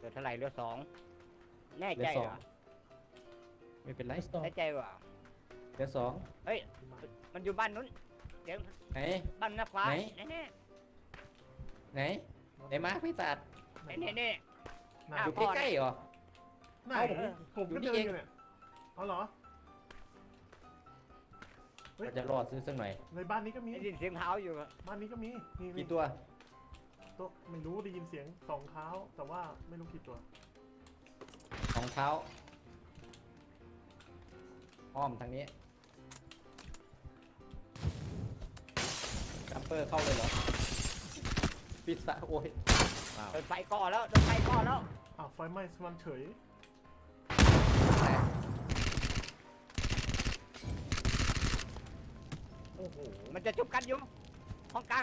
ลือเท่าไหร่เหลือสองแน่เหลืใจอสอเหรง อไม่เป็นไรแน่ใจเหรอเหลือสองเฮ้ยมันอยู่บ้านนู้นเดี๋ยวไหนบ้านหน้าฟ้าไหนแน่ไหนไหนมาพี่ตัดๆแน่ไหนอ้าวอยู่ใกล้ๆเหรอไหนเอ้าผมผมก็อยู่เดินี่นเองอยู่เนี่ยเอาเหรอ เฮ้ยเราจะรอดซื้อสักหน่อยในบ้านนี้ก็มีๆได้ยินเสียงเท้าอยู่อะบ้านนี้ก็มีนี่กี่ตัวตัวไม่รู้ได้ยินเสียงสองเท้า แต่ว่าไม่รู้กี่ตัวสองเท้าอ้อมทางนี้จัมเปอร์เข้าเลยเหรอพิซซ่าโอ้ยว้าวโดนไฟก่อแล้วโดนไฟก่อแล้วอ้าวไฟไหม้มันเฉยแต่โอ้โหมันจะจุบกันอยู่ห้องกลาง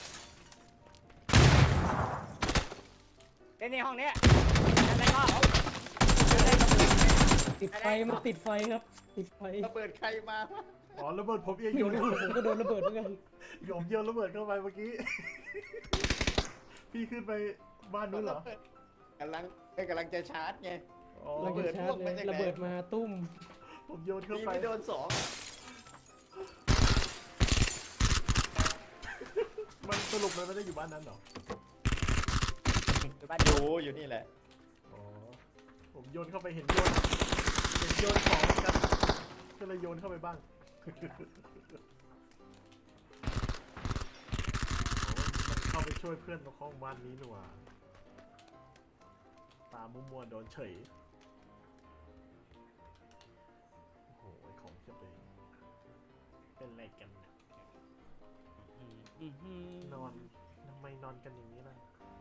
ในห้องเนี้ยอะไรก็ติดไฟมันติดไฟครับ ติดไฟระเบิดใครมาวะอ๋อระเบิดผมเองไม่โยนรู้ผมก็โดนระเบิดเหมือนกันผมโยนระเบิดเข้าไปเมื่อกี้ พี่ขึ้นไปบ้านนู้นเหรอกำลังจะชาร์จไงอ๋อระเบิดชาร์จเลยระเบิดมาตุ้มผมโยนเข้ามีไปไม่โดนสองมันสรุปมันไม่ได้อยู่บ้านนั้นเหรออยู่บ้านอยู่นี่แหละอ๋อ ผมโยนเข้าไปเห็นโยนของเหมือนกันก็เลยโยนเข้าไปบ้าง มันเข้าไปช่วยเพื่อนตรงห้องบ้านนี้หน่วตามัวๆโดนเฉย โอ้โหของเพียบเลยเป็นอะไรกันเนี่ยนอนทำไมนอนกันอย่างนี้ล่ะ